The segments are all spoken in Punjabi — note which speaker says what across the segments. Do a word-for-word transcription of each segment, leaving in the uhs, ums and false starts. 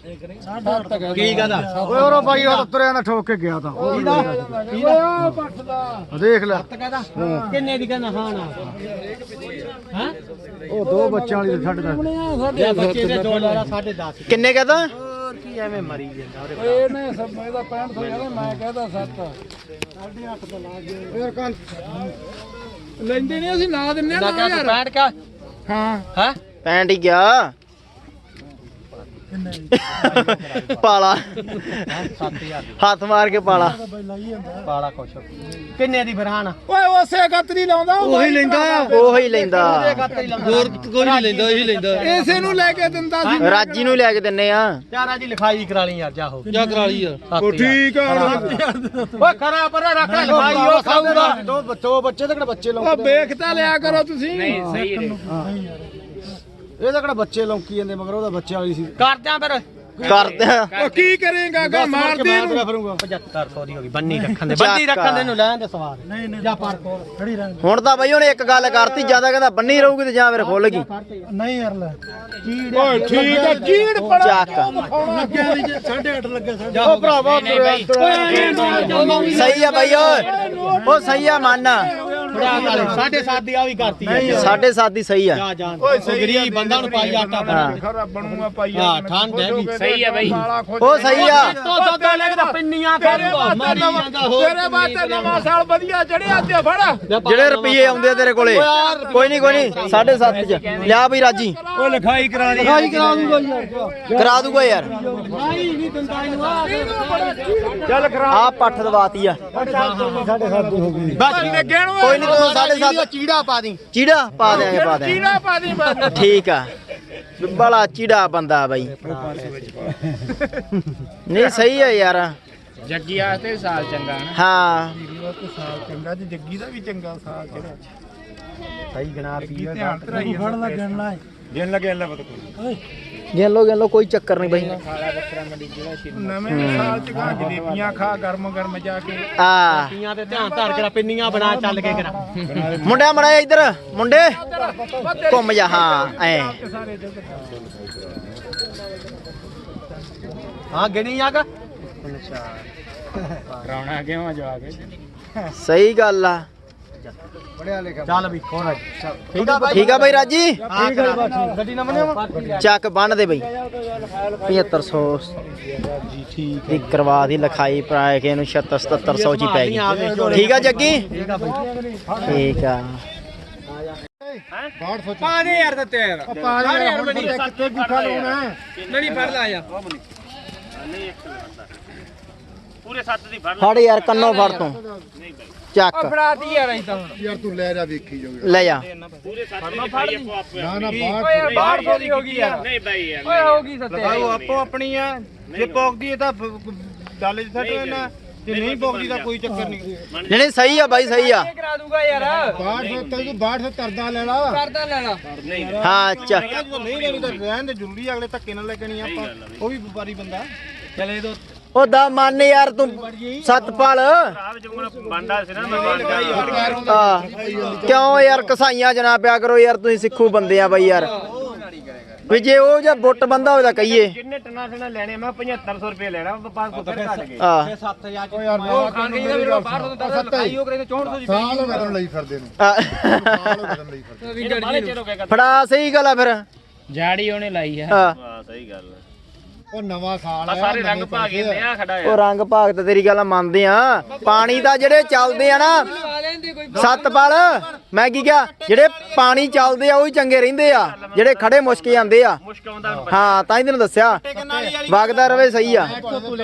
Speaker 1: ਕੀ ਕਹਦਾ
Speaker 2: ਓਏ ਉਹ ਬਾਈ ਉਹ ਤੁਰਿਆ ਨਾ ਠੋਕ ਕੇ ਗਿਆ ਤਾਂ ਦੇਖ ਲੈ
Speaker 1: ਕਿੰਨੇ ਦੀ ਕਹਿੰਦਾ ਹਾਂ ਨਾ ਹਾਂ
Speaker 2: ਉਹ ਦੋ ਬੱਚਿਆਂ ਵਾਲੀ ਛੱਡ ਦਾ
Speaker 1: ਬੱਚੇ ਦੇ ਦੋ ਲਾਰਾ ਸਾਢੇ ਦਸ
Speaker 3: ਕਿੰਨੇ ਕਹਦਾ
Speaker 1: ਹੋਰ ਕੀ ਐਵੇਂ ਮਰੀ ਜਾਂਦਾ
Speaker 2: ਇਹਨੇ ਸਭ ਇਹਦਾ ਪੈਂਹਠ ਸੌ ਕਹਿੰਦਾ ਮੈਂ ਕਹਿੰਦਾ ਸੱਤ ਸਾਢੇ ਅੱਠ ਤੋਂ ਲਾ ਗਏ ਫੇਰ ਕੰਨ ਲੈਂਦੇ ਨਹੀਂ ਅਸੀਂ ਲਾ ਦਿੰਨੇ ਆ ਨਾ ਯਾਰ
Speaker 1: ਬੈਠ ਕੇ
Speaker 2: ਹਾਂ
Speaker 1: ਹਾਂ
Speaker 3: ਪੈਂਟ ਹੀ ਗਿਆ ਪਾਲਾ
Speaker 1: ਸੱਤ ਹਜ਼ਾਰ
Speaker 3: ਹੱਥ ਮਾਰ ਕੇ ਪਾਲਾ
Speaker 1: ਪਾਲਾ ਕੁਛ ਕਿੰਨੇ ਦੀ ਫਰਹਾਨ
Speaker 2: ਓਏ ਉਸੇ ਗੱਤਰੀ ਲਾਉਂਦਾ ਉਹੀ ਲੈਂਦਾ
Speaker 3: ਉਹੀ ਲੈਂਦਾ
Speaker 1: ਹੋਰ ਕੋਈ ਨਹੀਂ ਲੈਂਦਾ ਇਹੀ ਲੈਂਦਾ
Speaker 2: ਇਸੇ ਨੂੰ ਲੈ ਕੇ ਦਿੰਦਾ ਸੀ
Speaker 3: ਰਾਜੀ ਨੂੰ ਲੈ ਕੇ ਦਿੰਨੇ ਆ
Speaker 1: ਚਾਰਾ ਦੀ ਲਿਖਾਈ ਕਰਾ ਲਈ ਯਾਰ ਜਾ ਹੋ
Speaker 4: ਜਾ ਕਰਾ ਲਈ ਯਾਰ
Speaker 2: ਉਹ ਠੀਕ ਆ
Speaker 1: ਓਏ ਖਰਾ ਪਰ ਰੱਖ ਲੈ ਲਿਖਾਈ ਉਹ ਖਾਊਗਾ
Speaker 2: ਦੋ ਦੋ ਬੱਚੇ ਤੇ ਕਿਹੜਾ ਬੱਚੇ ਲਾਉਂਦੇ ਉਹ ਵੇਖ ਤਾਂ ਲਿਆ ਕਰੋ ਤੁਸੀਂ ਨਹੀਂ
Speaker 1: ਸਹੀ ਹੈ
Speaker 2: ਇਹ ਤਾਂ ਕਿਹੜਾ ਬੱਚੇ ਲੌਂਕੀ ਜਾਂਦੇ ਮਗਰ ਉਹਦਾ ਬੱਚੇ ਵਾਲੀ ਸੀ
Speaker 1: ਕਰਦਿਆਂ ਫਿਰ
Speaker 3: ਕਰਦੇ
Speaker 2: ਉਹ ਕੀ ਕਰੇਗਾ ਗਾ ਮਾਰ ਦੇ ਨੂੰ
Speaker 1: ਪਝੱਤਰ ਸੌ ਦੀ ਹੋ ਗਈ ਬੰਨੀ ਰੱਖਣ ਦੇ ਬੰਨੀ ਰੱਖਣ ਦੇ ਨੂੰ ਲੈਣ ਦੇ ਸਵਾਰ
Speaker 2: ਨਹੀਂ ਨਹੀਂ ਜਾ ਪਰ ਕੋਲ ਖੜੀ ਰਹਿ
Speaker 3: ਹੁਣ ਤਾਂ ਬਈ ਉਹਨੇ ਇੱਕ ਗੱਲ ਕਰਤੀ ਜਿਆਦਾ ਕਹਿੰਦਾ ਬੰਨੀ ਰਹੂਗੀ ਤੇ ਜਾਂ ਫਿਰ ਖੁੱਲ ਗਈ
Speaker 2: ਨਹੀਂ ਯਾਰ ਲੈ ਓਏ ਠੀਕ ਆ ਚੀੜ ਪੜਾ
Speaker 3: ਚੱਕ
Speaker 2: ਲੱਗਿਆ ਵੀ ਸਾਢੇ ਅੱਠ ਲੱਗਿਆ ਸਾਢੇ
Speaker 3: ਉਹ ਭਰਾਵਾ ਸਹੀ ਆ ਬਈ ਓਏ ਉਹ ਸਹੀ ਆ ਮੰਨ
Speaker 1: ਸਾਢੇ ਸੱਤ ਦੀ ਆ ਵੀ ਕਰਤੀ
Speaker 3: ਸਾਢੇ ਸੱਤ ਦੀ ਸਹੀ ਆ
Speaker 1: ਜਾ ਜਾਨ ਓਏ ਗਰੀਬ ਬੰਦਾ ਨੂੰ ਪਾਈ ਆਟਾ ਬਣਾ
Speaker 2: ਖਰਾ ਬਣੂਗਾ ਪਾਈ
Speaker 1: ਹਾਂ ਠੰਡ ਹੈ ਵੀ
Speaker 4: ਸਹੀ ਹੈ ਬਈ
Speaker 3: ਉਹ ਸਹੀ ਆ
Speaker 1: ਤੋ ਸੌਦਾ ਲੈ ਕੇ ਤਾਂ ਪਿੰਨੀਆਂ ਕਰੂਗਾ ਮਾਰੀ ਜਾਂਦਾ ਹੋ
Speaker 2: ਤੇਰੇ ਵਾਸਤੇ ਨਵਾਂ ਸਾਲ ਵਧੀਆ ਚੜਿਆ ਤੇ ਫੜ
Speaker 3: ਜਿਹੜੇ ਰੁਪਏ ਆਉਂਦੇ ਆ ਤੇਰੇ ਕੋਲੇ ਕੋਈ ਨਹੀਂ ਕੋਈ ਨਹੀਂ ਸਾਢੇ ਸੱਤ ਚ ਲਿਆ ਬਈ ਰਾਜੀ
Speaker 1: ਉਹ ਲਿਖਾਈ ਕਰਾ ਦੇ
Speaker 2: ਲਿਖਾਈ ਕਰਾ ਦੂੰਗਾ ਯਾਰ
Speaker 3: ਕਰਾ ਦੂਗਾ ਯਾਰ
Speaker 1: ਨਹੀਂ ਨਹੀਂ ਦਿੰਦਾ ਇਹਨੂੰ ਆ
Speaker 2: ਚੱਲ ਕਰਾ
Speaker 3: ਆ ਪੱਠ ਦਵਾਤੀ ਆ
Speaker 2: ਸਾਢੇ ਸੱਤ ਦੀ ਹੋ ਗਈ
Speaker 1: ਬਸ ਲੱਗੇ ਨੂੰ
Speaker 3: ਕੋਈ ਨਹੀਂ ਤੂੰ ਸਾਢੇ ਸੱਤ
Speaker 1: ਚੀੜਾ ਪਾ ਦੀ
Speaker 3: ਚੀੜਾ ਪਾ ਦਿਆਂਗੇ ਪਾ ਦਿਆਂਗੇ
Speaker 2: ਚੀੜਾ ਪਾ ਦੀ ਬਸ
Speaker 3: ਠੀਕ ਆ ਬੜਾ ਚੀੜਾ ਬੰਦਾ ਬਾਈ ਨਹੀਂ ਸਹੀ ਆ ਯਾਰ
Speaker 4: ਜੱਗੀ ਆਸਤੇ ਸਾਲ ਚੰਗਾ ਨਾ
Speaker 3: ਹਾਂ
Speaker 2: ਸਾਲ ਚੰਗਾ ਤੇ ਜੱਗੀ ਦਾ ਵੀ ਚੰਗਾ ਸਾਲ ਜਿਹੜਾ
Speaker 1: ਸਹੀ ਗਣਾ ਪੀ
Speaker 2: ਧਿਆਨ ਤਰਾਈ ਫੜ ਲਾ ਗਿਣ ਲਾ ਗਿਣ ਲਾ ਗਿਣ ਲਾ ਪਤਾ ਕੋਈ
Speaker 3: ਗਿਣ ਲੋ ਗਿਣ ਲੋ ਕੋਈ ਚੱਕਰ ਨਹੀਂ ਬਾਈ
Speaker 4: ਖਾਲਾ ਬੱਕਰਾ ਮੰਡੀ ਜਿਹੜਾ ਸ਼ਿਰ
Speaker 2: ਨਵੇਂ ਸਾਲ ਚ ਖਾ ਜਲੇਬੀਆਂ ਖਾ ਗਰਮ ਗਰਮ ਜਾ ਕੇ
Speaker 3: ਆ
Speaker 1: ਪੀਆਂ ਤੇ ਧਿਆਨ ਧਰ ਕੇ ਪਿੰਨੀਆਂ ਬਣਾ ਚੱਲ ਕੇ ਕਰਾ
Speaker 3: ਮੁੰਡਿਆ ਮੜਾ ਇੱਧਰ ਮੁੰਡੇ ਘੁੰਮ ਜਾ ਹਾਂ ਐ
Speaker 1: ਹਾਂ ਗਿਣੀ ਆ ਕਾ
Speaker 4: ਕਰਾਉਣਾ ਕਿਉਂ ਜਵਾ ਕੇ
Speaker 3: ਸਹੀ ਗੱਲ ਆ
Speaker 2: ਪੜਿਆ ਲਿਖਿਆ
Speaker 1: ਚੱਲ ਵੀ ਖੋਰਾ ਠੀਕ ਆ ਬਾਈ
Speaker 3: ਠੀਕ ਆ ਬਾਈ ਰਾਜੀ
Speaker 1: ਠੀਕ ਹੈ ਗੱਡੀ ਨਾ ਮੰਨਿਆ
Speaker 3: ਚੱਕ ਬੰਨ ਦੇ ਬਈ ਪਝੱਤਰ ਸੌ
Speaker 1: ਜੀ ਠੀਕ
Speaker 3: ਦੀ ਕਰਵਾ ਦੀ ਲਿਖਾਈ ਪਾ ਕੇ ਇਹਨੂੰ ਛੱਤਰ ਸਤੱਤਰ ਸੌ ਚ ਹੀ ਪੈ ਗਈ ਠੀਕ ਆ ਜੱਗੀ
Speaker 1: ਠੀਕ ਆ ਬਾਈ
Speaker 3: ਠੀਕ ਆ
Speaker 1: ਪਾ ਦੇ ਯਾਰ ਤੇ ਤੇਰ
Speaker 2: ਪਾ ਦੇ ਯਾਰ ਬਣੀ ਕਿੱਥੇ ਗੁੱਠਾ ਲਾਉਣਾ
Speaker 1: ਨਹੀਂ ਫੜ ਲਾ ਯਾਰ
Speaker 4: ਪੂਰੇ ਸੱਤ ਦੀ ਫੜ
Speaker 3: ਫੜ ਯਾਰ ਕੰਨੋਂ ਫੜ ਤੂੰ ਚੱਕ
Speaker 1: ਫੜਾਤੀ ਯਾਰ ਅਸੀਂ ਤਾਂ
Speaker 2: ਯਾਰ ਤੂੰ ਲੈ ਜਾ ਵੇਖੀ ਜਾਓ
Speaker 3: ਲੈ ਜਾ
Speaker 4: ਪੂਰੇ ਸੱਤ ਦੀ ਲਿਖਾਈ ਆਪੋ ਆਪੇ
Speaker 2: ਨਾ ਨਾ
Speaker 1: ਓਏ ਬਾਹਰ ਸੌ ਦੀ ਹੋ ਗਈ ਯਾਰ
Speaker 4: ਨਹੀਂ ਬਾਈ ਯਾਰ
Speaker 1: ਓਏ ਹੋ ਗਈ ਸੱਤੇ
Speaker 5: ਉਹ ਆਪੋ ਆਪਣੀ ਆ ਜੇ ਪੌਕਦੀ ਹੈ ਤਾਂ ਡਾਲੇ ਚ ਸੱਟ ਲੈਣਾ ਜੇ ਨਹੀਂ ਪੌਕਦੀ ਤਾਂ ਕੋਈ ਚੱਕਰ ਨਹੀਂ
Speaker 3: ਨਹੀਂ ਨਹੀਂ ਸਹੀ ਆ ਬਾਈ ਸਹੀ ਆ
Speaker 1: ਕਰਾ ਦੂਗਾ ਯਾਰ
Speaker 2: ਬਾਹਠ ਸੌ ਤੈਨੂੰ ਬਾਹਠ ਸੌ ਤਰਦਾ ਲੈ ਲਾ
Speaker 1: ਕਰਦਾ ਲੈਣਾ
Speaker 3: ਹਾਂ ਚੱਕ
Speaker 5: ਜਦੋਂ ਨਹੀਂ ਲੈਣੀ ਤਾਂ ਰਹਿਣ ਦੇ ਜ਼ਰੂਰੀ ਅਗਲੇ ਧੱਕੇ ਨਾਲ ਲੱਗਣੀ ਆਪਾਂ ਉਹ ਵੀ ਵਪਾਰੀ ਬੰਦਾ
Speaker 1: ਚਲੇ ਦੋ
Speaker 3: ਉਹ ਦਾ ਮੰਨ ਯਾਰ ਤੂੰ ਸਤਪਾਲ
Speaker 4: ਆਪ ਜੁਗਣ ਬੰਦਾ ਸੀ ਨਾ ਮੈਂ
Speaker 3: ਆ ਕਿਉਂ ਯਾਰ ਕਸਾਈਆਂ ਚ ਨਾ ਪਿਆ ਕਰੋ ਯਾਰ ਤੁਸੀਂ ਸਿੱਖੂ ਬੰਦੇ ਆ ਬਾਈ ਯਾਰ ਵੀ ਜੇ ਉਹ ਜਾਂ ਬੁੱਟ ਬੰਦਾ ਹੋਵੇ ਤਾਂ ਕਹੀਏ
Speaker 4: ਕਿੰਨੇ ਟਨਾ ਟਨਾ ਲੈਣੇ ਮੈਂ ਪਝੱਤਰ ਸੌ ਰੁਪਏ ਲੈਣਾ ਵਪਾਰ ਕੋ ਫਿਰ ਘਟ ਗਏ
Speaker 3: ਆ
Speaker 1: ਸੱਤ ਹਜ਼ਾਰ
Speaker 2: ਓ ਯਾਰ
Speaker 1: ਉਹ ਖਾਣ ਗਈ ਦਾ ਵੀਰੋ ਬਾਹਰ ਤੋਂ ਦਸ ਲਿਖਾਈ ਉਹ ਕਰੇ ਚੌਂਹਠ ਸੌ ਦੀ
Speaker 2: ਸਾਲ ਹੋ ਗਿਆ ਤੈਨੂੰ ਲਈ ਫਿਰਦੇ ਨੂੰ ਸਾਲ ਹੋ ਗਿਆ ਤੈਨੂੰ ਲਈ ਫਿਰਦੇ
Speaker 4: ਬਾਲੇ ਚਿਰ ਹੋ ਗਿਆ
Speaker 3: ਫੜਾ ਸਹੀ ਗੱਲ ਆ ਫਿਰ
Speaker 4: ਜਾੜੀ ਉਹਨੇ ਲਾਈ ਆ
Speaker 3: ਆ
Speaker 4: ਹਾਂ ਸਹੀ ਗੱਲ
Speaker 2: ਉਹ ਨਵਾਂ ਸਾਲ
Speaker 4: ਆ
Speaker 2: ਆ
Speaker 4: ਸਾਰੇ ਰੰਗ ਪਾ ਕੇ ਨਿਆ ਖੜਾ
Speaker 3: ਉਹ ਰੰਗ ਭਾਗ ਤੇ ਤੇਰੀ ਗੱਲ ਮੰਨਦੇ ਆ ਪਾਣੀ ਦਾ ਜਿਹੜੇ ਚੱਲਦੇ ਆ ਨਾ ਸਤਪਾਲ ਮੈਂ ਕੀ ਕਿਹਾ ਜਿਹੜੇ ਪਾਣੀ ਚੱਲਦੇ ਆ ਉਹ ਹੀ ਚੰਗੇ ਰਹਿੰਦੇ ਆ ਜਿਹੜੇ ਖੜੇ ਮੁਸ਼ਕ ਜਾਂਦੇ ਆ
Speaker 4: ਮੁਸ਼ਕ ਆਉਂਦਾ
Speaker 3: ਹਾਂ ਤਾਂ ਹੀ ਤੈਨੂੰ ਦੱਸਿਆ ਵਗਦਾ ਰਵੇ ਸਹੀ ਆ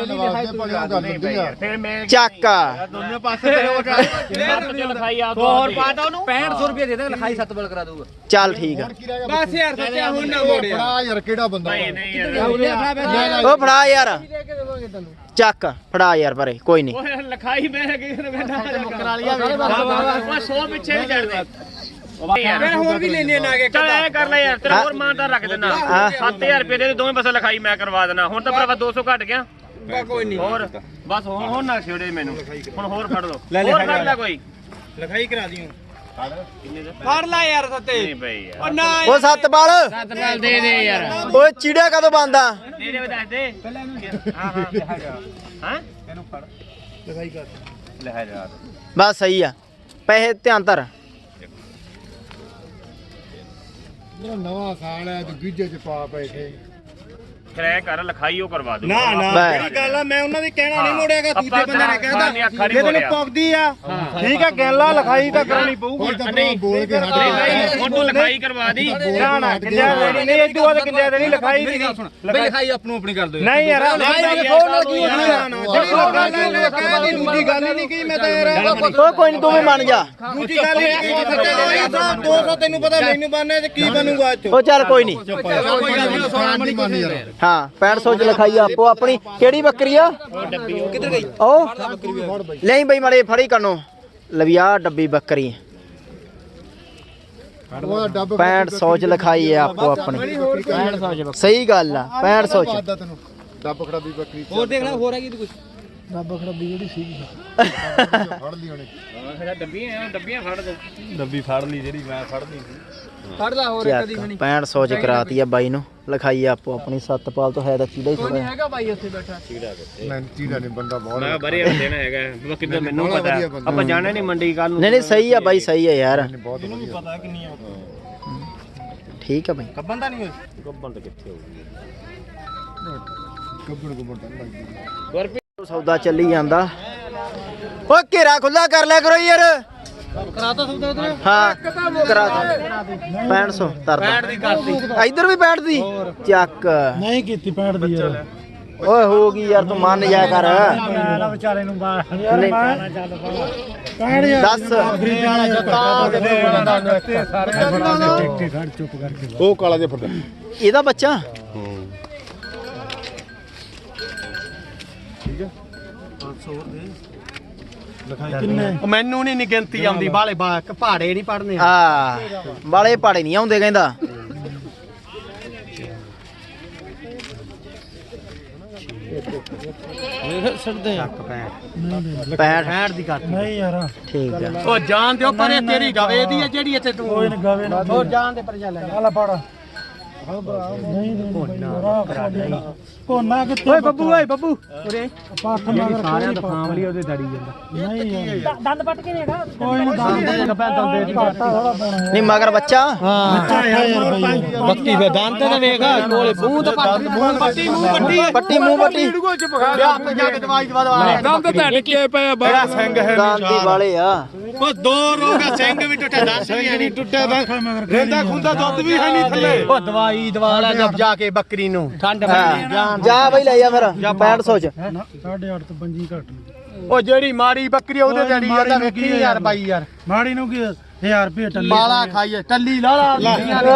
Speaker 4: ਫਿਰ ਮੈਂ
Speaker 3: ਚੱਕ
Speaker 5: ਦੋਨੇ ਪਾਸੇ ਤੇ
Speaker 4: ਲਿਖਾਈ ਆ
Speaker 1: ਹੋਰ ਪਾਤਾ ਉਹਨੂੰ ਪੈਂਹਠ ਸੌ ਰੁਪਏ ਦੇ ਦੇ ਲਿਖਾਈ ਸੱਤ ਬਲ ਕਰਾ ਦੂਗਾ
Speaker 3: ਚੱਲ ਠੀਕ ਆ
Speaker 1: ਬਸ ਯਾਰ ਸੱਚਾ ਹੁਣ ਨਾ ਮੋੜਿਆ
Speaker 2: ਬੜਾ ਯਾਰ ਕਿਹੜਾ ਬੰਦਾ
Speaker 4: ਨਹੀਂ ਯਾਰ
Speaker 3: ਉਹ ਫੜਾ ਯਾਰ ਚੱਕ ਫੜਾ ਯਾਰ ਪਰੇ ਕੋਈ ਨਹੀਂ
Speaker 4: ਉਹ ਲਿਖਾਈ ਮੈਂ ਕਿਸੇ ਨੇ ਬੈਠਾ ਮੁਕਰਾ ਲਿਆ ਉਹ ਸੌ ਪਿੱਛੇ ਵੀ ਛੱਡ ਦੇ
Speaker 1: ਫਿਰ ਹੋਰ ਵੀ ਲੈਣੇ ਨਾ ਕੇ
Speaker 4: ਚੱਲ ਐ ਕਰ ਲੈ ਯਾਰ ਤੇਰਾ ਹੋਰ ਮਾਨਤਾ ਰੱਖ ਦੇਣਾ ਸੱਤ ਹਜ਼ਾਰ ਰੁਪਏ ਦੇ ਦੋਵੇਂ ਪਾਸੇ ਲਿਖਾਈ ਮੈਂ ਕਰਵਾ ਦੇਣਾ ਹੁਣ ਤਾਂ ਭਰਾਵਾ ਦੋ ਸੌ ਘਟ ਗਿਆ
Speaker 1: ਕੋਈ ਨਹੀਂ
Speaker 4: ਹੋਰ ਬਸ ਹੁਣ ਹੁਣ ਨਾ ਛੇੜੇ ਮੈਨੂੰ ਹੁਣ ਹੋਰ ਫੜ ਲਓ ਹੋਰ ਫੜ ਲੈ ਕੋਈ
Speaker 5: ਲਿਖਾਈ ਕਰਾ ਦਿਓ
Speaker 2: ਫੜ ਲੈ ਯਾਰ ਸੱਤੇ
Speaker 4: ਨਹੀਂ ਬਈ ਯਾਰ
Speaker 2: ਉਹ ਨਾ
Speaker 3: ਉਹ ਸੱਤ ਪਾਲ
Speaker 1: ਸੱਤ ਨਾਲ ਦੇ ਦੇ ਯਾਰ
Speaker 3: ਓਏ ਚੀੜਾ ਕਦੋਂ ਬੰਦਾ
Speaker 4: ਦੇ ਦੇ ਦੱਸ ਦੇ ਹਾਂ ਹਾਂ ਲਿਖਾ ਜਾ ਹਾਂ ਇਹਨੂੰ ਫੜ
Speaker 5: ਲਿਖਾਈ ਕਰ
Speaker 4: ਲਿਖਾ ਜਾ
Speaker 3: ਬਸ ਸਹੀ ਆ ਪੈਸੇ ਧਿਆਨ ਧਰ
Speaker 2: ਨਵਾਂ ਸਾਲ ਹੈ ਤੇ ਗੀਜੇ ਚ ਪਾ ਬੈਠੇ
Speaker 4: ਕਿਰਾਇਆ ਕਰ ਲਿਖਾਈ ਉਹ ਕਰਵਾ ਦੂ
Speaker 5: ਨਾ ਨਾ
Speaker 3: ਬੈ।
Speaker 5: ਇਹ ਗੱਲ ਆ ਮੈਂ ਉਹਨਾਂ ਦੀ ਕਹਿਣਾ ਨਹੀਂ ਮੋੜਿਆਗਾ ਦੂਜੇ
Speaker 4: ਆਪਾਂ
Speaker 5: ਬੰਦੇ ਨੇ
Speaker 4: ਖਾਣ ਦੀਆਂ ਅੱਖਾਂ
Speaker 5: ਕਹਿਦਾ
Speaker 4: ਨਹੀਂ
Speaker 5: ਜੇ ਤੈਨੂੰ
Speaker 4: ਮੋੜਿਆ।
Speaker 5: ਪੌਕਦੀ ਆ ਠੀਕ ਆ ਗੱਲਾਂ ਲਿਖਾਈ ਤਾਂ ਕਰਾਉਣੀ ਪਊਗੀ
Speaker 4: ਨਹੀਂ
Speaker 2: ਬੋਲ ਕੇ ਹਟ
Speaker 4: ਨਹੀਂ ਭਾਈ ਹੁਣ ਤੂੰ ਲਿਖਾਈ ਕਰਵਾ ਦੀ
Speaker 5: ਨਾ ਨਾ ਕਿੰਨਿਆ ਦੇਣੀ ਨਹੀਂ ਇਦੋਂ ਬਾਅਦ ਕਿੰਨਿਆ ਦੇਣੀ ਲਿਖਾਈ ਦੀ
Speaker 2: ਬਈ ਲਿਖਾਈ ਆਪਣੂ ਆਪਣੀ ਕਰ ਦਿਓ
Speaker 5: ਨਹੀਂ ਯਾਰ
Speaker 4: ਨਹੀਂ
Speaker 5: ਫੋਨ ਲੱਗੀ ਹੋਣੀ ਆ ਕਹਿਦੀ ਦੂਜੀ ਗੱਲ ਹੀ ਨਹੀਂ ਕੀ ਮੈਂ ਤਾਂ ਯਾਰ
Speaker 3: ਓ ਕੋਈ ਨਹੀਂ ਤੂੰ ਵੀ ਮੰਨ ਜਾ
Speaker 5: ਦੂਜੀ ਗੱਲ ਹੀ ਨਹੀਂ ਕੀ ਸੱਚਾ ਦੋ ਸੌ ਤੈਨੂੰ ਪਤਾ ਮੈਨੂੰ ਬਣਨਾ ਤੇ ਕੀ ਬਣੂਗਾ ਅੱਜ
Speaker 3: ਉਹ ਚੱਲ ਕੋਈ ਨਹੀਂ ਹਾਂ ਪੈਂਹਠ ਸੌ ਚ ਲਿਖਾਈ ਆਪੋ ਆਪਣੀ ਕਿਹੜੀ ਬੱਕਰੀ ਆ ਕਿੱਧਰ ਗਈ ਉਹ ਨਹੀਂ ਬਈ ਮਾੜੇ ਫੜੀ ਕਰਨੋ ਲਵਿਆ ਡੱਬੀ ਬੱਕਰੀ ਪੈਂਹਠ ਸੌ ਚ ਲਿਖਾਈ ਆ ਆਪੋ ਆਪਣੀ ਪੈਂਹਠ ਸੌ ਚ ਸਹੀ ਗੱਲ ਆ ਪੈਂਹਠ ਸੌ ਚ
Speaker 2: ਡੱਬ ਖੜਾਬੀ ਬੱਕਰੀ
Speaker 1: ਹੋਰ ਦੇਖ ਲੈ ਹੋਰ ਹੈਗੀ ਤੂੰ ਕੁਝ
Speaker 2: ਡੱਬ ਖੜਾਬੀ ਜਿਹੜੀ ਸੀਗੀ ਫੜ ਲਈ ਉਹਨੇ
Speaker 4: ਹਾਂ ਡੱਬੀਆਂ ਡੱਬੀਆਂ ਫੜ ਦੋ
Speaker 5: ਡੱਬੀ ਫੜ ਲਈ ਜਿਹੜੀ ਮੈਂ ਫੜਨੀ ਸੀ
Speaker 1: ਫੜ ਲੈ ਹੋਰ
Speaker 3: ਚੱਕ ਪੈਂਹਠ ਸੌ ਚ ਕਰਾਤੀ ਆ ਬਾਈ ਨੂੰ ਲਿਖਾਈ ਆਪੋ ਆਪਣੀ ਸੱਤਪਾਲ ਤੋਂ ਹੈ ਤਾਂ ਚੀੜਾ ਹੀ ਥੋੜਾ
Speaker 1: ਹੈਗਾ ਬਾਈ ਉੱਥੇ ਬੈਠਾ
Speaker 2: ਮੈਂ ਚੀੜਾ ਨਹੀਂ ਬੰਦਾ ਬਹੁਤ
Speaker 4: ਮੈਂ ਬਰੇ ਦੇਣਾ ਹੈਗਾ ਬੱਕਰੀ ਦਾ ਮੈਨੂੰ ਪਤਾ ਆਪਾਂ ਜਾਣੇ ਨਹੀਂ ਮੰਡੀ ਕੱਲ ਨੂੰ
Speaker 3: ਨਹੀਂ ਨਹੀਂ ਸਹੀ ਆ ਬਾਈ ਸਹੀ ਆ ਯਾਰ
Speaker 2: ਬਹੁਤ ਵਧੀਆ
Speaker 5: ਪਤਾ ਕਿੰਨੀ ਆ
Speaker 3: ਠੀਕ ਆ ਬਾਈ
Speaker 5: ਕੱਬਨ ਤਾਂ ਨਹੀਂ ਹੋਈ
Speaker 4: ਗੱਬਨ ਤਾਂ ਕਿੱਥੇ ਹੋਊਗੀ
Speaker 2: ਕੱਬੜ ਕੱਬੜ ਤਾਂ ਲੱਗਦੀ
Speaker 3: ਸੌਦਾ ਚੱਲੀ ਜਾਂਦਾ ਓ ਘੇਰਾ ਖੁੱਲਾ ਕਰ ਲਿਆ ਕਰੋ ਯਾਰ
Speaker 1: ਕਰਾਤਾ ਸੌਦਾ ਉਧਰ
Speaker 3: ਹਾਂ ਕਰਾ ਦੇ ਪੈਂਹਠ ਸੌ ਤਰਦਾ
Speaker 1: ਦੀ ਕਰਤੀ
Speaker 3: ਇੱਧਰ ਵੀ ਪੈਂਹਠ ਦੀ ਚੱਕ
Speaker 2: ਨਹੀਂ ਕੀਤੀ ਪੈਂਟ ਦੀ ਯਾਰ
Speaker 3: ਓਏ ਹੋ ਗਈ ਯਾਰ ਤੂੰ ਮੰਨ ਜਾ ਕਰ
Speaker 2: ਮੈਂ ਵਿਚਾਰੇ ਨੂੰ ਬਾਹਰ ਯਾਰ ਮੈਂ ਚੱਲ ਪੈਂਟ ਯਾਰ
Speaker 3: ਦੱਸ
Speaker 2: ਉਹ ਕਾਲਾ ਜਿਹਾ ਫਰਦਾ
Speaker 3: ਇਹਦਾ ਬੱਚਾ
Speaker 5: ਮੈਨੂੰ ਨਹੀਂ ਨੀ ਗਿਣਤੀ ਆਉਂਦੀ ਬਾਲੇ ਪਹਾੜੇ ਨਹੀਂ ਪੜਨੇ
Speaker 3: ਆ ਵਾਲੇ ਪਾੜੇ ਨਹੀਂ ਆਉਂਦੇ ਕਹਿੰਦਾ ਪੈਂਹਠ
Speaker 5: ਦੀ ਕਰ
Speaker 2: ਨਹੀਂ ਯਾਰ
Speaker 3: ਠੀਕ ਆ
Speaker 5: ਉਹ ਜਾਣ ਦਿਓ ਪਰੇ ਤੇਰੀ ਗਵੇ ਦੀ ਹੈ ਜਿਹੜੀ ਇੱਥੇ ਤੂੰ
Speaker 2: ਕੋਈ ਨਹੀਂ ਗਾਵੇ ਨਾ
Speaker 5: ਹੋਰ ਜਾਣ ਦੇ ਪਰ ਜਾ ਲੈ
Speaker 2: ਆਲਾ ਫੜ ਨਹੀਂ ਨਹੀਂ ਕੋਨਾ ਕਿੱਥੇ ਓਏ ਬੱਬੂ ਓਏ ਬੱਬੂ ਉਰੇ ਪਾਠ ਮਗਰ ਸਾਰਿਆਂ ਦਾ ਫਾਮਲੀ ਉਹਦੇ ਦੜੀ ਜਾਂਦਾ ਨਹੀਂ ਯਾਰ
Speaker 1: ਦੰਦ ਪੱਟ ਕੇ ਨੇਗਾ
Speaker 2: ਕੋਈ ਨਹੀਂ ਦੰਦ ਦੇ ਜਗ੍ਹਾ ਦੰਦ ਦੇ ਘਾਟਾ ਥੋੜਾ ਪਾਉਣਾ
Speaker 3: ਨਹੀਂ ਮਗਰ ਬੱਚਾ
Speaker 2: ਹਾਂ ਯਾਰ ਬਈ
Speaker 1: ਬੱਕੀ ਫੇ ਦੰਦ ਤੇ ਵੇਖ ਕੋਲੇ ਮੂੰਹ ਤੇ ਪੱਟ ਮੂੰਹ ਪੱਟੀ ਮੂੰਹ ਪੱਟੀ
Speaker 3: ਪੱਟੀ ਮੂੰਹ ਪੱਟੀ
Speaker 5: ਹੱਥ ਜਾ ਕੇ ਦਵਾਈ ਦਵਾ ਦਵਾ
Speaker 2: ਦੰਦ ਤਾਂ ਟਿੱਕੇ ਪਏ ਬੜਾ ਸਿੰਘ ਹੈ
Speaker 3: ਦਾਂਤੀ ਵਾਲੇ ਆ
Speaker 5: ਉਹ ਦੋ ਰੋਗਾ ਸਿੰਘ ਵੀ ਟੁੱਟਿਆ ਦਸ ਵੀ ਨਹੀਂ ਟੁੱਟਿਆ ਰਹਿੰਦਾ ਖੁੰਦਾ ਦੁੱਧ ਵੀ ਹੈ ਨਹੀਂ ਥੱਲੇ ਉਹ ਦਵਾਈ ਦਵਾ ਲੈ ਜਦ ਜਾ ਕੇ ਬੱਕਰੀ ਨੂੰ
Speaker 1: ਠੰਡ
Speaker 3: ਹਾਂ। ਜਾ ਬਈ ਲੈ ਜਾ ਫਿਰ ਪੈਂਹਠ ਸੌ ਚ
Speaker 2: ਸਾਢੇ ਅੱਠ ਤੋਂ ਪੰਜੀ ਘੱਟ
Speaker 5: ਉਹ ਜਿਹੜੀ ਮਾੜੀ ਬੱਕਰੀ ਉਹਦੇ ਜੜੀ ਜਾਂਦਾ ਵੇਖੀ ਯਾਰ ਬਾਈ ਯਾਰ
Speaker 2: ਮਾੜੀ ਨੂੰ ਕੀ ਹਜ਼ਾਰ ਰੁਪਏ ਟੱਲੀ
Speaker 5: ਮਾਲਾ ਖਾਈਏ ਟੱਲੀ ਲਾ ਲਾ ਲਾ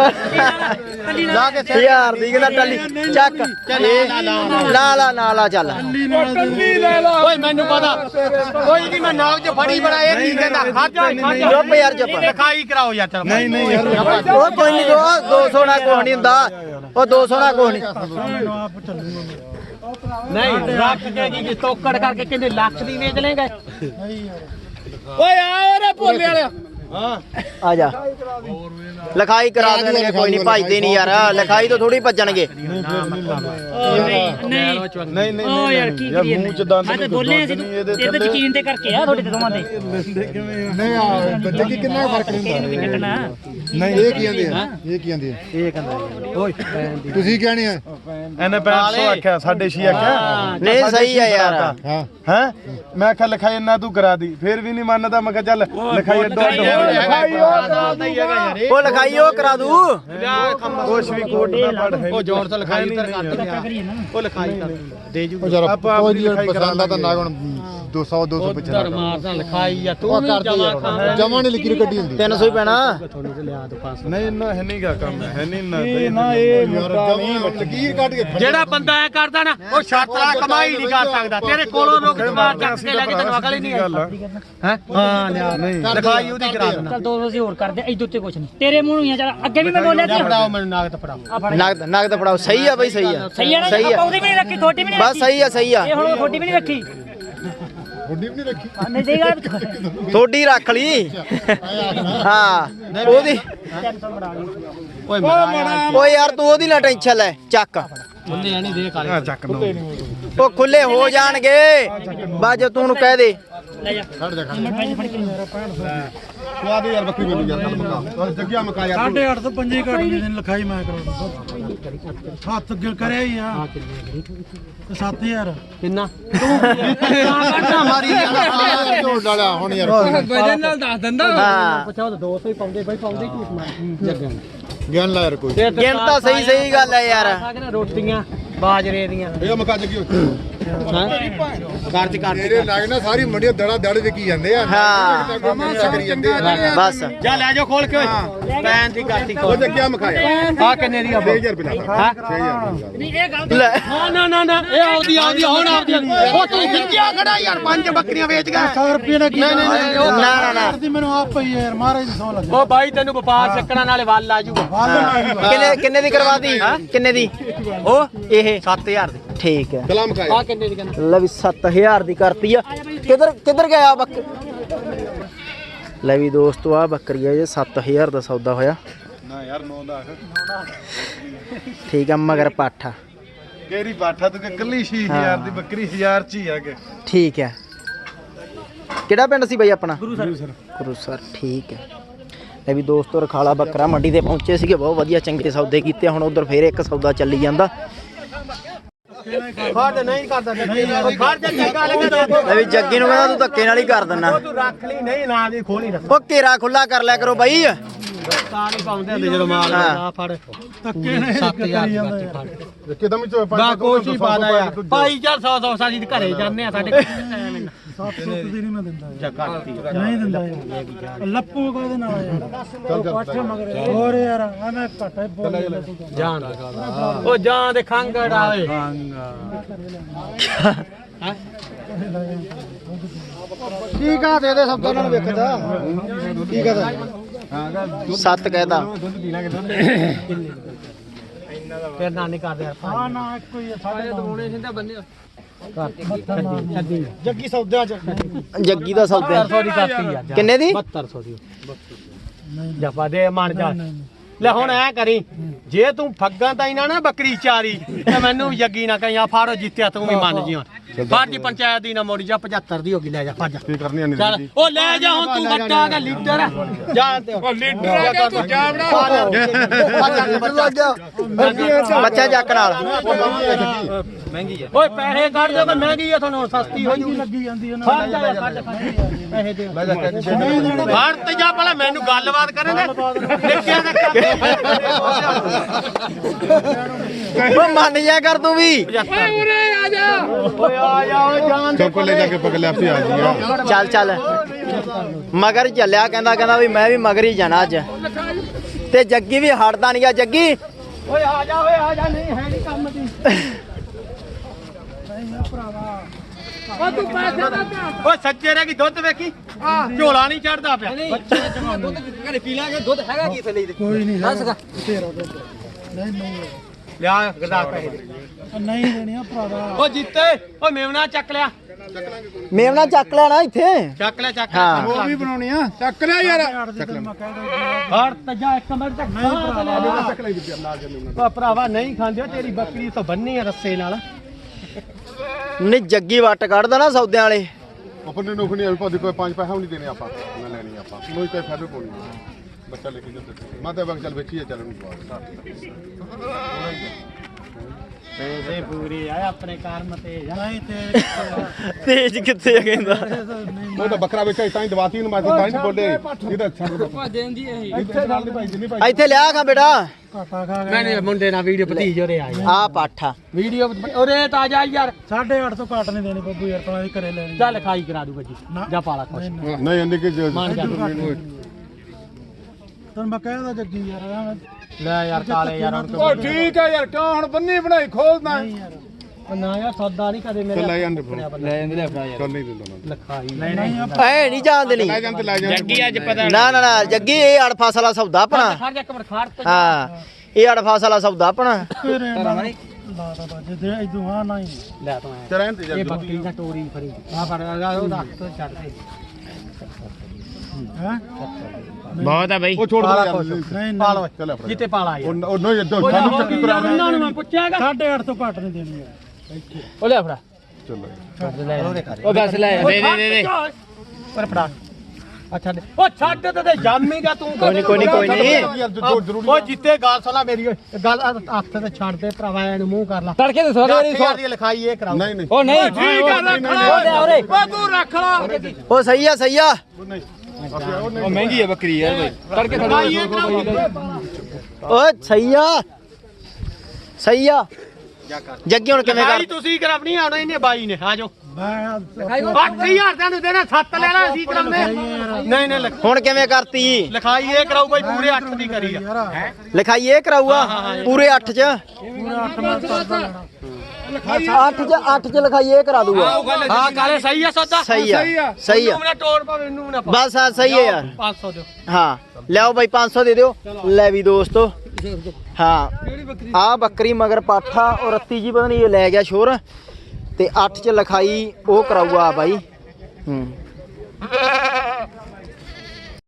Speaker 5: ਕੇ
Speaker 3: ਹਜ਼ਾਰ ਦੀ ਕਹਿੰਦਾ ਟੱਲੀ ਚੱਕ ਇਹ ਲਾ ਲਾ ਨਾ ਲਾ ਚੱਲ
Speaker 2: ਟੱਲੀ ਲੈ ਲਾ
Speaker 5: ਓਏ ਮੈਨੂੰ ਪਤਾ ਕੋਈ ਨਹੀਂ ਮੈਂ ਨਾਗ ਚ ਫੜੀ ਬਣਾ ਇਹ ਕੀ ਕਹਿੰਦਾ ਖਾਜਾ ਖਾਜਾ
Speaker 3: ਚੁੱਪ ਯਾਰ ਚੁੱਪ
Speaker 5: ਲਿਖਾਈ ਕਰਾਓ ਯਾਰ ਚਲ
Speaker 2: ਨਹੀਂ ਨਹੀਂ ਯਾਰ
Speaker 3: ਉਹ ਕੋਈ ਨਹੀਂ ਦੋ ਸੌ ਨਾਲ ਕੁਛ ਨਹੀਂ ਹੁੰਦਾ ਉਹ ਦੋ ਸੌ ਨਾਲ ਕੁਛ ਨਹੀਂ
Speaker 2: ਆਪ ਚੱਲੂਗਾ
Speaker 1: ਨਹੀਂ ਰੱਖ ਕੇ ਕੀ ਤੋਕੜ ਕਰਕੇ ਕਿੰਨੇ ਲੱਖ ਦੀ ਵੇਚ ਲੇਗਾ
Speaker 2: ਨਹੀਂ ਯਾਰ
Speaker 5: ਓਏ ਆ ਓਰੇ ਭੋਲੇ ਵਾਲਿਆ
Speaker 3: ਆ ਜਾ ਲਿਖਾਈ ਕਰਾ ਦੇਣਗੇ ਕੋਈ ਨਹੀਂ ਭੱਜਦੇ ਨਹੀਂ ਯਾਰ ਲਿਖਾਈ ਤੋਂ ਥੋੜੀ ਭੱਜਣਗੇ
Speaker 2: ਨਹੀਂ ਨਹੀਂ
Speaker 1: ਓ ਯਾਰ ਕੀ ਕਰੀਏ
Speaker 2: ਮੂੰਹ ਚ ਦੰਦ
Speaker 1: ਮੈਂ ਤਾਂ ਬੋਲੇ ਅਸੀਂ ਇਹ ਤਾਂ ਯਕੀਨ ਤੇ ਕਰਕੇ ਆ ਤੁਹਾਡੇ ਤੇ ਦੋਵਾਂ ਤੇ
Speaker 2: ਨਹੀਂ ਆ ਬੱਚੇ ਕੀ ਕਿੰਨਾ ਫਰਕ
Speaker 1: ਵੀ ਕੱਟਣਾ
Speaker 2: ਨਹੀਂ ਇਹ ਕੀ ਆਂਦੇ ਆ ਇਹ ਕੀ ਆਂਦੇ ਆ ਇਹ ਕਹਿੰਦਾ ਓਏ ਤੁਸੀਂ ਕਹਿਣੇ ਆ
Speaker 5: ਇਹਨੇ ਪੈਂਹਠ ਸੌ ਆਖਿਆ ਸਾਢੇ ਛੇ ਆਖਿਆ
Speaker 3: ਨਹੀਂ ਸਹੀ ਆ ਯਾਰ
Speaker 2: ਹਾਂ
Speaker 5: ਹੈ ਮੈਂ ਆਖਿਆ ਲਿਖਾਈ ਇੰਨਾ ਤੂੰ ਕਰਾ ਦੀ ਫੇਰ ਵੀ ਨਹੀਂ ਮੰਨਦਾ ਮੈਂ ਕਿਹਾ ਚੱਲ ਲਿਖਾਈ ਅੱਡੋ ਅੱਡ ਹੋ ਲਿਖਾਈ ਉਹ ਕਰਾਉਂਦਾ ਹੀ ਹੈਗਾ ਯਾਰ
Speaker 3: ਉਹ ਲਿਖਾਈ ਉਹ ਕਰਾ ਦੂ
Speaker 5: ਕੁਛ ਵੀ ਕੋਟ ਨਾ ਪੜ ਹੈ
Speaker 1: ਉਹ ਜੋੜ ਤੋਂ ਲਿਖਾਈ ਉਤਰ ਕਰ
Speaker 5: ਉਹ ਲਿਖਾਈ ਕਰ ਦੇ ਜੂ
Speaker 2: ਉਹ ਜਰਾ ਕੋਈ ਨਹੀਂ ਪਸੰਦ ਆ ਤਾਂ ਨਾ ਹੁਣ ਦੋ ਸੌ ਦੋ ਸੌ ਪਿੱਛੇ
Speaker 1: ਉਧਰ ਮਾਰਦਾ ਲਿਖਾਈ ਆ ਤੂੰ
Speaker 2: ਉਹ
Speaker 1: ਵੀ
Speaker 2: ਕਰਦੇ
Speaker 1: ਜਮਾ
Speaker 2: ਯਾਰ
Speaker 1: ਖਾ
Speaker 2: ਜਮਾ ਨਹੀਂ ਲਿਖੀ ਕੱਢੀ ਹੁੰਦੀ
Speaker 3: ਤਿੰਨ ਸੌ ਹੀ ਪੈਣਾ
Speaker 5: ਨਹੀਂ ਇੰਨਾ ਹੈ ਨਹੀਂਗਾ ਕੰਮ ਹੈ ਨਹੀਂ ਇੰਨਾ
Speaker 2: ਇਹ ਨਾ ਇਹ ਜਮਾ ਲਕੀਰ ਕੱਢ ਕੇ
Speaker 5: ਜਿਹੜਾ ਬੰਦਾ ਐ ਕਰਦਾ ਨਾ ਉਹ ਛਾਤਰਾ ਕਮਾਈ ਨਹੀਂ ਕਰ ਸਕਦਾ ਤੇਰੇ ਕੋਲੋਂ ਰੁਕ ਮਾਰ ਚੱਕ ਕੇ ਲੈ ਕੇ ਤੈਨੂੰ ਅਕਲ ਹੀ ਨਹੀਂ ਗੱਲ ਆ
Speaker 1: ਹੈ ਹਾਂ ਲਿਆ
Speaker 5: ਲਿਖਾਈ ਉਹਦੀ ਕਰਾ ਦੇਣਾ
Speaker 1: ਚੱਲ ਦੋ ਅਸੀਂ ਹੋਰ ਕਰਦੇ ਇਦੋਂ ਉੱਤੇ ਕੁਛ ਨਹੀਂ ਤੇਰੇ ਮੂੰਹ ਨੂੰ ਹੀ ਆ ਚੱਲ ਅੱਗੇ ਵੀ ਮੈਂ ਬੋਲਿਆ ਸੀ
Speaker 5: ਫੜਾਓ ਮੈਨੂੰ ਨਾਗਤ ਫੜਾਓ
Speaker 1: ਆ ਫੜ
Speaker 3: ਨਗਦ ਨਗਦ ਫੜਾਓ ਸਹੀ ਆ ਬਈ ਸਹੀ ਆ
Speaker 1: ਸਹੀ ਆ ਨਾ
Speaker 3: ਸਹੀ
Speaker 1: ਆਪਾਂ
Speaker 3: ਆ
Speaker 1: ਉਹਦੀ ਵੀ ਨਹੀਂ ਰੱਖੀ ਥੋੜੀ ਵੀ ਨਹੀਂ
Speaker 3: ਬਸ ਸਹੀ ਆ ਸਹੀ ਆ
Speaker 1: ਇਹ ਹੁਣ ਥੋੜੀ ਵੀ ਨਹੀਂ ਰੱਖੀ
Speaker 5: ਥੋੜੀ ਵੀ ਨਹੀਂ ਰੱਖੀ
Speaker 2: ਨਹੀਂ ਦੇਗਾ
Speaker 3: ਥੋੜੀ ਰੱਖ ਲਈ ਹਾਂ ਉਹਦੀ
Speaker 1: ਓਏ ਮੜਾ
Speaker 3: ਓਏ ਯਾਰ ਤੂੰ ਉਹਦੀ ਨਾ ਟੈਨਸ਼ਨ ਲੈ ਚੱਕ
Speaker 1: ਉਹਨੇ ਨਹੀਂ ਦੇ ਕਾਲੇ
Speaker 5: ਚੱਕ ਲਓ
Speaker 3: ਉਹ ਖੁੱਲੇ ਹੋ ਜਾਣਗੇ ਬਸ ਜੇ ਤੂੰ ਉਹਨੂੰ ਕਹਿ ਦੇ
Speaker 5: ਛੱਡ ਜਾ ਖੜ ਤੂੰ ਆ ਦੇ ਯਾਰ ਬੱਕਰੀ ਮੈਨੂੰ ਯਾਰ ਕੱਲ ਮਕਾ ਜੱਗਿਆ ਮਕਾ ਯਾਰ
Speaker 2: ਸਾਢੇ ਅੱਠ ਤੋਂ ਪੰਜੇ ਘੱਟ ਨਹੀਂ ਦਿਨ ਲਿਖਾਈ ਮੈਂ ਕਰਾਉਂਦਾ ਹੱਥ ਅੱਗੇ ਕਰਿਆ ਹੀ ਆ ਤੇ ਸੱਤ ਹਜ਼ਾਰ
Speaker 1: ਕਿੰਨਾ
Speaker 5: ਕੱਢਾ ਮਾਰੀ ਯਾਰ ਝੋੜ ਡਾਲਿਆ ਹੁਣ ਯਾਰ
Speaker 1: ਵਜਨ ਨਾਲ ਦੱਸ ਦਿੰਦਾ
Speaker 3: ਹਾਂ
Speaker 1: ਪੁੱਛਾ ਉਹ ਦੋ ਸੌ ਹੀ ਪਾਉਂਦੇ ਬਈ ਪਾਉਂਦੇ ਝੂਠ ਮਾਰ ਜੱਗਾਂ
Speaker 5: ਗਿਣ ਲਾ ਯਾਰ ਕੋਈ
Speaker 3: ਗਿਣ ਤਾਂ ਸਹੀ ਸਹੀ ਗੱਲ ਹੈ ਯਾਰ
Speaker 1: ਰੋਟੀਆਂ ਬਾਜਰੇ ਦੀਆਂ
Speaker 5: ਇਹ ਮਕਾ ਜੱਗੀ
Speaker 1: ਘਰ ਚ ਕਰ
Speaker 5: ਤੇਰੇ ਲੱਗ ਨਾ ਸਾਰੀ ਮੰਡੀਆਂ ਦੜਾ ਦੜ ਵਿਕੀ ਜਾਂਦੇ ਆ
Speaker 3: ਹਾਂ
Speaker 5: ਕਰੀ ਜਾਂਦੇ ਆ
Speaker 3: ਬਸ
Speaker 1: ਜਾ ਲੈ ਜਾ ਖੋਲ ਕੇ ਓਏ ਪੈਨ ਦੀ ਕਰਤੀ
Speaker 5: ਉਹ
Speaker 1: ਖੋਲ
Speaker 5: ਜੱਗਿਆ ਮਕਾਇਆ
Speaker 1: ਆ ਕਿੰਨੇ ਦੀ ਆ
Speaker 5: ਛੇ ਹਜ਼ਾਰ ਰੁਪਏ ਦਾ
Speaker 1: ਹਾਂ
Speaker 5: ਛੇ ਹਜ਼ਾਰ
Speaker 3: ਲੈ
Speaker 1: ਨਾ ਨਾ ਨਾ ਨਾ ਇਹ ਆਉਂਦੀ ਆਉਂਦੀ ਹੁਣ ਆਉਂਦੀ ਉਹ ਤੂੰ ਖਿੱਚਿਆ ਖੜਾ ਯਾਰ ਪੰਜ ਬੱਕਰੀਆਂ ਵੇਚ ਗਿਆ
Speaker 2: ਸੌ ਰੁਪਏ ਨਾਲ ਕੀ
Speaker 1: ਨਹੀਂ, ਨਹੀਂ, ਨਹੀਂ, ਉਹ
Speaker 3: ਨਾ ਨਾ ਨਾ
Speaker 2: ਕਰਦੀ ਮੈਨੂੰ ਆਪ ਪਈ ਯਾਰ ਮਹਾਰਾਜ ਦੀ ਸੌ ਲੱਗਾ
Speaker 1: ਉਹ ਬਾਈ ਤੈਨੂੰ ਵਪਾਰ ਚੱਕਣਾ ਨਾਲੇ ਵੱਲ ਆ ਜੂਗਾ
Speaker 3: ਕਿੰਨੇ ਕਿੰਨੇ ਦੀ ਕਰਵਾਤੀ ਕਿੰਨੇ ਦੀ ਉਹ ਇਹ
Speaker 1: ਸੱਤ ਹਜ਼ਾਰ ਦੀ
Speaker 3: ਠੀਕ ਹੈ
Speaker 5: ਕਲਾ ਮਕਾਇਆ
Speaker 1: ਆ ਕਿੰਨੇ ਦੀ ਕਹਿੰਦਾ
Speaker 3: ਲੈ ਵੀ ਸੱਤ ਹਜ਼ਾਰ ਦੀ ਕਰਤੀ ਆ ਕਿੱਧਰ ਕਿੱਧਰ ਗਿਆ ਬੱਕ ਲੈ ਵੀ ਦੋਸਤੋ ਆ ਬੱਕਰੀ ਆ ਇਹ ਸੱਤ ਹਜ਼ਾਰ ਦਾ ਸੌਦਾ ਹੋਇਆ
Speaker 5: ਨਾ ਯਾਰ ਨੌ ਦਾ
Speaker 3: ਠੀਕ ਆ ਮਗਰ ਪਾਠਾ
Speaker 5: ਕਿਹੜੀ ਬਾਠਾ ਤੂੰ ਕੱਲੀ ਛੇ ਹਜ਼ਾਰ ਦੀ ਬੱਕਰੀ ਹਜ਼ਾਰ ਚ ਹੀ ਆ ਕੇ
Speaker 3: ਠੀਕ ਹੈ ਕਿਹੜਾ ਪਿੰਡ ਸੀ ਬਾਈ ਆਪਣਾ ਗੁਰੂ ਸਰ ਗੁਰੂ ਸਰ ਠੀਕ ਹੈ ਲੈ ਵੀ ਦੋਸਤੋ ਰਖਾਲਾ ਬੱਕਰਾ ਮੰਡੀ ਤੇ ਪਹੁੰਚੇ ਸੀਗੇ ਬਹੁਤ ਵਧੀਆ ਚੰਗੇ ਸੌਦੇ ਕੀਤੇ ਹੁਣ ਉਧਰ ਫੇਰ ਇੱਕ ਸੌਦਾ ਚੱਲੀ ਜਾਂਦਾ
Speaker 1: ਫੜ ਨਹੀਂ ਕਰਦਾ ਫੜ ਜਾ ਜੱਗਾ ਲੱਗਾ
Speaker 3: ਲੈ ਵੀ ਜੱਗੀ ਨੂੰ ਕਹਿੰਦਾ ਤੂੰ ਧੱਕੇ ਨਾਲ ਹੀ ਕਰ ਦਿੰਨਾ
Speaker 1: ਤੂੰ ਰੱਖ ਲਈ ਨਹੀਂ ਨਾ ਦੀ ਖੋਲੀ ਰੱਖ
Speaker 3: ਉਹ ਘੇਰਾ ਖੁੱਲਾ ਕਰ ਲਿਆ ਕਰੋ ਬਾਈ
Speaker 1: ਤਾਂ ਨਹੀਂ ਪਾਉਂਦੇ ਹੁੰਦੇ ਜਦੋਂ ਮਾਲ
Speaker 3: ਹਾਂ।
Speaker 1: ਆ ਫੜ
Speaker 2: ਧੱਕੇ ਨਾਲ
Speaker 1: ਸੱਤ ਹਜ਼ਾਰ ਦੀ
Speaker 2: ਯਾਰ
Speaker 1: ਫੜ
Speaker 5: ਕਿਦਮ ਵਿੱਚ
Speaker 1: ਬਾ ਕੋਸ਼ੀ ਪਾ ਦਾ ਯਾਰ ਭਾਈ ਚਾਰ ਸੌ ਸੌ ਸਾਡੀ ਦੇ ਘਰੇ ਜਾਂਦੇ ਆ ਸਾਡੇ
Speaker 2: ਸੱਤ ਸੌ ਦੀ ਨਹੀਂ ਮੈਂ ਦਿੰਦਾ ਯਾਰ।
Speaker 1: ਜੱਗਾ
Speaker 2: ਨਹੀਂ ਦਿੰਦਾ ਯਾਰ ਲੱਪੂ ਕਾਹਦੇ ਨਾਲ ਯਾਰ ਪਾਠਾ ਮਗਰ ਹੋਰ ਯਾਰ ਆ ਮੈਂ ਘਟਾ ਬੋਲ
Speaker 1: ਜਾਣ ਉਹ ਜਾਂ ਦੇ ਖੰਗੜ ਆਵੇ
Speaker 2: ਠੀਕ ਆ ਦੇ ਦੇ ਸਭ ਨਾਲ ਵੇਖਦਾ ਠੀਕ ਆ
Speaker 3: ਸੱਤ ਕਹਿਤਾ
Speaker 1: ਫਿਰ ਨਾ ਨਹੀਂ ਕਰਦੇ ਯਾਰ
Speaker 2: ਹਾਂ ਨਾ ਇੱਕੋ ਹੀ ਆ, ਸਾਢੇ ਨੌ
Speaker 1: ਦੋਨੇ ਸਿੰਦਾ ਬੰਦੇ ਛੱਡੀ
Speaker 2: ਜੱਗੀ ਸੌਦਿਆਂ ਚ
Speaker 3: ਜੱਗੀ ਦਾ ਸੌਦਾ
Speaker 1: ਸੌ ਦੀ ਕਰਤੀ ਆ
Speaker 3: ਕਿੰਨੇ ਦੀ
Speaker 1: ਬਹੱਤਰ ਸੌ ਦੀ ਜਪਾ ਦੇ ਮਨ ਜਾ ਲੈ ਹੁਣ ਐ ਕਰੀ ਜੇ ਤੂੰ ਫੱਗਾਂ ਤਾਂ ਨਾ ਨਾ ਬੱਕਰੀ ਚਾਰੀ ਤੇ ਮੈਨੂੰ ਵੀ ਜੱਗੀ ਨਾ ਕਹੀਂ ਆ ਫਾੜੋ ਜਿੱਤਿਆ ਤੂੰ ਵੀ ਮੰਨ ਜੀ ਹੁਣ ਬਾਡੀ ਪੰਚਾਇਤ ਦੀ ਨਾ ਮੋੜੀ ਜਾ ਪਝੱਤਰ ਦੀ ਹੋ ਗਈ ਲੈ ਜਾ ਫੜ ਜਾ
Speaker 5: ਕੀ ਕਰਨੀ ਆ
Speaker 1: ਚੱਲ
Speaker 5: ਨਹੀਂ
Speaker 1: ਉਹ ਲੈ ਜਾ ਹੁਣ ਤੂੰ ਵੱਡਾ ਦਾ ਲੀਡਰ ਆ। ਜਾ ਤੇ ਉਹ ਲੀਡਰ ਆ ਗਿਆ ਤੂੰ ਜਾ
Speaker 3: ਬੱਚਾ ਜੱਕ ਨਾਲ
Speaker 1: ਮਹਿੰਗੀ ਆ ਓਏ ਪੈਸੇ ਕੱਢ ਦਿਓ ਕਿ ਮਹਿੰਗੀ ਆ ਤੁਹਾਨੂੰ ਸਸਤੀ ਹੋ ਜੂ
Speaker 2: ਲੱਗੀ ਜਾਂਦੀ ਉਹਨਾਂ
Speaker 1: ਫੜ ਜਾ ਕੱਢ ਪੈਸੇ ਦੇ ਫੜ ਤੇ ਜਾ ਪਹਿਲਾਂ ਮੈਨੂੰ ਗੱਲਬਾਤ ਕਰਨ ਦੇ ਨਿੱਕਿਆਂ ਦਾ ਕੰਮ
Speaker 3: ਉਹ ਮੰਨ ਜਾ ਕਰ ਤੂੰ ਵੀ
Speaker 1: ਓਏ ਉਰੇ ਆ ਜਾ ਓਏ ਆ ਜਾ ਓਏ ਜਾਨ
Speaker 5: ਚੌਕੋ ਲੈ ਜਾ ਕੇ ਪਗਲੇ ਆਪੇ ਆ ਜੀਆ
Speaker 3: ਚੱਲ ਚੱਲ ਮਗਰ ਚੱਲਿਆ ਕਹਿੰਦਾ ਕਹਿੰਦਾ ਵੀ ਮੈਂ ਵੀ ਮਗਰ ਹੀ ਜਾਣਾ ਅੱਜ ਤੇ ਜੱਗੀ ਵੀ ਹਟਦਾ ਨਹੀਂ ਆ ਜੱਗੀ
Speaker 1: ਓਏ ਆ ਜਾ ਓਏ ਆ ਜਾ ਨਹੀਂ ਹੈ ਨਹੀਂ ਕੰਮ ਦੀ ਓ ਤੂੰ ਪੈਸੇ ਦਾ ਓਏ ਸੱਚੇ ਰਹਿ ਗਈ ਦੁੱਧ ਵੇਖੀ ਝੋਲਾ ਨਹੀਂ ਚੜਦਾ ਪਿਆ ਦੁੱਧ ਘਰੇ ਪੀ ਲਾਂਗੇ ਦੁੱਧ ਹੈਗਾ ਕੀ ਥੱਲੇ
Speaker 2: ਕੋਈ ਨਹੀਂ ਤੇਰਾ ਦੁੱਧ ਨਹੀਂ ਨਹੀਂ
Speaker 1: ਲਿਆ ਗਰਦਾਸ ਪੈਸੇ ਦੇ
Speaker 2: ਨਹੀਂ ਦੇਣੀਆਂ ਭਰਾਵਾ
Speaker 1: ਓ ਜਿੱਤੇ ਓ ਮੇਵਨਾ ਚੱਕ ਲਿਆ
Speaker 3: ਮੇਵਨਾ ਚੱਕ ਲੈਣਾ ਇੱਥੇ
Speaker 1: ਚੱਕ ਲਿਆ ਚੱਕ
Speaker 3: ਹਾਂ।
Speaker 1: ਲਿਆ
Speaker 5: ਉਹ ਵੀ ਬਣਾਉਣੀ ਆ ਚੱਕ ਲਿਆ ਯਾਰ
Speaker 1: ਹਰ ਤਜਾ ਇੱਕ ਮਿੰਟ ਤੱਕ ਓ ਭਰਾਵਾ ਨਹੀਂ ਖਾਂਦੇ ਤੇਰੀ ਬੱਕਰੀ ਤੋਂ ਬੰਨੀ ਆ ਰੱਸੇ ਨਾਲ
Speaker 3: ਨਹੀਂ ਜੱਗੀ ਵੱਟ ਕੱਢਦਾ ਨਾ ਸੌਦਿਆਂ ਵਾਲੇ
Speaker 5: ਆਪਣੇ ਨੂੰ ਖਣੀ ਆਪਾਂ ਕੋਈ ਪੰਜ ਪੈਸਾ ਵੀ ਨਹੀਂ ਦੇਣੇ ਆਪਾਂ ਨਾ ਲੈਣੀ ਆਪਾਂ ਕੋਈ ਕੋਈ ਫਾਇਦਾ ਕੋਈ ਨਹੀਂ ਬੱਚਾ ਲੈ ਕੇ ਜਾਂਦੇ ਮੈਂ ਤਾਂ ਬਗ ਚੱਲ ਵੇਚੀ ਚੱਲ ਨੂੰ
Speaker 1: ਪੈਸੇ ਪੂਰੇ ਆ ਆਪਣੇ ਕਰਮ ਤੇ
Speaker 2: ਨਹੀਂ ਤੇ
Speaker 3: ਤੇਜ ਕਿੱਥੇ ਆ ਕਹਿੰਦਾ
Speaker 5: ਉਹ ਤਾਂ ਬੱਕਰਾ ਵੇਚਿਆ ਤਾਂ ਹੀ ਦਵਾਤੀ ਨੂੰ ਮੈਂ ਤਾਂ ਨਹੀਂ ਬੋਲੇ ਇਹਦਾ ਅੱਛਾ ਦੇਂਦੀ ਇਹ ਇੱਥੇ ਨਾਲ ਨਹੀਂ ਭਾਈ ਜਿੰਨੀ ਭਾਈ
Speaker 3: ਇੱਥੇ ਲਿਆ ਖਾਂ ਬੇਟਾ
Speaker 2: ਘਾਟਾ ਖਾ
Speaker 1: ਮੈਂ ਨੇ ਮੁੰਡੇ ਨਾਲ ਵੀਡੀਓ ਭਤੀਜ ਉਰੇ ਆਏ
Speaker 3: ਆ ਪਾਠਾ
Speaker 1: ਵੀਡੀਓ ਉਰੇ ਤਾਂ ਆ ਜਾ ਯਾਰ
Speaker 2: ਸਾਢੇ ਅੱਠ ਤੋਂ ਘੱਟ ਨਹੀਂ ਦੇਣੀ ਬੱਬੂ ਯਾਰ ਤਾਂ ਘਰੇ ਲੈਣੀ
Speaker 1: ਚੱਲ ਖਾਈ ਕਰਾ ਦੂਗਾ ਜੀ ਜਾ ਪਾਲਾ ਖੁਸ਼
Speaker 5: ਨਹੀਂ ਅੰਦੇ ਕਿ
Speaker 1: ਮੰਨ ਜਾ
Speaker 2: ਤੈਨੂੰ ਮੈਂ ਕਹਿਦਾ ਜੱਗੀ ਯਾਰ ਐਵੇਂ
Speaker 1: ਲੈ ਯਾਰ ਕਾਲੇ ਯਾਰ ਹੁਣ
Speaker 5: ਉਹ ਠੀਕ ਹੈ ਯਾਰ ਕਿਉਂ ਹੁਣ ਬੰਨੀ ਬਣਾਈ ਖੋਲਦਾ
Speaker 2: ਨਹੀਂ ਯਾਰ
Speaker 1: ਤੂੰ ਨਾ ਯਾਰ ਸੌਦਾ ਨਹੀਂ ਕਦੇ ਮੇਰੇ
Speaker 5: ਚੱਲ ਲੈ ਜਾਂਦੇ
Speaker 1: ਲੈ ਜਾਂਦੇ ਲੈ ਫੜਾ ਯਾਰ
Speaker 5: ਚੱਲ ਨਹੀਂ ਦਿੰਦਾ
Speaker 1: ਲਖਾਈ
Speaker 2: ਨਹੀਂ
Speaker 3: ਐ ਨਹੀਂ ਜਾਣ ਦੇਣੀ
Speaker 5: ਲੈ ਜਾਂਦੇ ਲੈ ਜਾਂਦੇ ਜੱਗੀ ਅੱਜ ਪਤਾ
Speaker 3: ਨਾ ਨਾ ਨਾ ਜੱਗੀ ਇਹ ਅੜਫਾਸ ਵਾਲਾ ਸੌਦਾ ਆਪਣਾ
Speaker 1: ਖੜ ਜਾ ਇੱਕ ਮਿੰਟ ਖੜ ਤੇ
Speaker 3: ਹਾਂ ਇਹ ਅੜਫਾਸ ਵਾਲਾ ਸੌਦਾ ਆਪਣਾ
Speaker 2: ਫਿਰ ਲਾ ਤਾ ਬਾਜੇ ਦੇ ਇਦੋਂ ਹਾਂ ਨਹੀਂ
Speaker 1: ਲੈ ਤੂੰ
Speaker 5: ਤੇ ਰਹਿਣ ਤੇ
Speaker 1: ਇਹ ਬੱਕਰੀ ਦਾ ਟੋਰੀ ਫਰੀ ਆ ਫੜ ਉਹ ਰੱਖ ਤੋਂ ਛੱਡ ਦੇ
Speaker 2: ਹੈ
Speaker 4: ਬਹੁਤ ਆ ਬਈ
Speaker 5: ਉਹ ਛੋੜ ਦੇ ਯਾਰ
Speaker 2: ਨਹੀਂ
Speaker 1: ਪਾਲ ਓਏ
Speaker 5: ਚੱਲ ਆਪਣਾ
Speaker 1: ਜਿੱਤੇ ਪਾਲਾ ਯਾਰ
Speaker 5: ਉਹ ਨੋ ਜਦੋਂ ਸਾਨੂੰ ਚੱਕੀ ਕਰਾ
Speaker 1: ਉਹਨਾਂ ਨੂੰ ਮੈਂ ਪੁੱਛਿਆਗਾ
Speaker 2: ਸਾਢੇ ਅੱਠ ਤੋਂ ਘੱਟ ਨਹੀਂ ਦੇਣੀ ਯਾਰ
Speaker 1: ਉਹ ਲੈ ਫੜਾ
Speaker 5: ਚੱਲ
Speaker 1: ਉਹ ਦੱਸ ਲੈ ਦੇ ਦੇ ਦੇ ਦੇ ਪਰ ਫੜਾ ਅੱਛਾ ਉਹ ਛੱਡ ਤੇ ਤੇ ਜਾਮੇਗਾ ਤੂੰ
Speaker 3: ਕੋਈ ਨਹੀਂ ਕੋਈ ਨਹੀਂ ਕੋਈ ਨਹੀਂ
Speaker 5: ਯਾਰ ਜੋ ਜ਼ਰੂਰੀ
Speaker 1: ਉਹ ਜਿੱਤੇ ਗੱਲ ਸੁਣਾ ਮੇਰੀ ਓਏ ਗੱਲ ਹੱਥ ਤੇ ਛੱਡ ਦੇ ਭਰਾਵਾ ਇਹਨੂੰ ਮੂੰਹ ਕਰ ਲਾ
Speaker 2: ਤੜਕੇ ਤੇ
Speaker 1: ਦਸ ਹਜ਼ਾਰ ਦੀ ਲਿਖਾਈ ਇਹ ਕਰਾਓ
Speaker 5: ਨਹੀਂ ਨਹੀਂ
Speaker 2: ਉਹ ਨਹੀਂ
Speaker 1: ਠੀਕ ਆ ਰੱਖ ਲਾ ਓਏ ਤੂੰ ਰੱਖ ਲਾ
Speaker 3: ਉਹ ਸਹੀ ਆ ਸਹੀ ਆ
Speaker 5: ਨਹੀਂ ਉਹ ਨਹੀਂ
Speaker 2: ਉਹ ਮਹਿੰਗੀ ਹੈ ਬੱਕਰੀ ਯਾਰ ਬਈ ਤੜਕੇ
Speaker 1: ਲਿਖਾਈ ਇਹ ਕਰਾਓ
Speaker 3: ਓਏ ਸਹੀ ਆ ਸਹੀ ਆ ਜੱਗੀ ਹੁਣ ਕਿਵੇਂ
Speaker 1: ਲਿਖਾਈ
Speaker 3: ਕਰ
Speaker 1: ਤੁਸੀਂ ਕਰਾਉਣੀ ਆਉਣਾ ਇਹਨੇ ਬਾਈ ਨੇ ਆ ਜਾਓ
Speaker 2: ਮੈਂ
Speaker 1: ਅੱਠ ਹਜ਼ਾਰ ਦਾ ਨੂੰ ਦੇਣਾ ਸੱਤ ਲੈਣਾ ਅਸੀਂ ਕਰਾਉਂਦੇ ਨਹੀਂ ਨਹੀਂ ਲਿਖ-
Speaker 3: ਹੁਣ ਕਿਵੇਂ ਕਰਤੀ
Speaker 1: ਲਿਖਾਈ ਇਹ ਕਰਾਓ ਬਾਈ ਪੂਰੇ ਅੱਠ ਦੀ ਕਰੀ ਆ
Speaker 3: ਲਿਖਾਈ ਇਹ ਕਰਾਊਗਾ ਪੂਰੇ ਅੱਠ ਚ
Speaker 2: ਪੂਰਾ ਅੱਠ ਮੈਂ ਕਰਦਾ ਲੈਣਾ
Speaker 3: ਅੱਠ ਚ ਅੱਠ ਚ ਲਿਖਾਈ ਇਹ ਕਰਾ ਦੂਗਾ
Speaker 1: ਹਾਂ ਕਾਲੇ ਸਹੀ ਆ ਸੌਦਾ
Speaker 3: ਸਹੀ ਆ ਸਹੀ ਆ
Speaker 1: ਮੈਨੂੰ ਨਾ ਤੋੜ ਪਾਵੇ ਇਹਨੂੰ ਨਾ ਪਾ
Speaker 3: ਬਸ ਆ ਸਹੀ ਹੈ ਯਾਰ
Speaker 1: ਪੰਜ ਸੌ ਦਿਓ
Speaker 3: ਹਾਂ ਲਿਆਓ ਬਾਈ ਪੰਜ ਸੌ ਦੇ ਦਿਓ ਲੈ ਵੀ ਦੋਸਤੋ ਹਾਂ ਆ ਬੱਕਰੀ ਮਗਰ ਪਾਠਾ ਔਰ ਰੱਤੀ ਜੀ ਪਤਾ ਨਹੀਂ ਇਹ ਲੈ ਗਿਆ ਸ਼ੋਰ ਤੇ ਅੱਠ ਚ ਲਿਖਾਈ ਉਹ ਕਰਾਊਗਾ ਬਾਈ ਹੂੰ